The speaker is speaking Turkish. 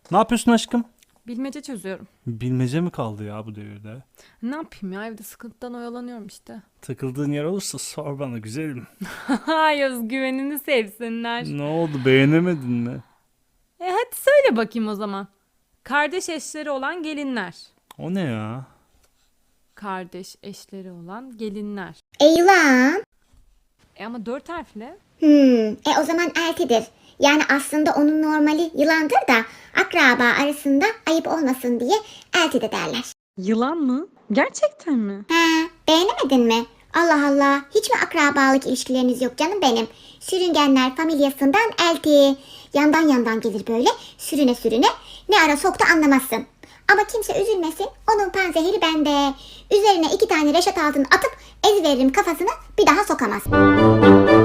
Ne yapıyorsun aşkım? Bilmece çözüyorum. Bilmece mi kaldı ya bu devirde? Ne yapayım ya, evde sıkıntıdan oyalanıyorum işte. Takıldığın yer olursa sor bana güzelim. Hay özgüvenini sevsinler. Ne oldu, beğenemedin mi? Hadi söyle bakayım o zaman. Kardeş eşleri olan gelinler. O ne ya? Kardeş eşleri olan gelinler. Yılan. Ama 4 harfle. O zaman eltidir. Yani aslında onun normali yılandır da akraba arasında ayıp olmasın diye elti de derler. Yılan mı? Gerçekten mi? Beğenemedin mi? Allah Allah, hiç mi akrabalık ilişkileriniz yok canım benim? Sürüngenler familyasından elti. Yandan yandan gelir böyle sürüne sürüne. Ne ara soktu anlamazsın. Ama kimse üzülmesin, onun panzehiri bende. Üzerine 2 tane reşat altın atıp eziveririm kafasını, bir daha sokamaz.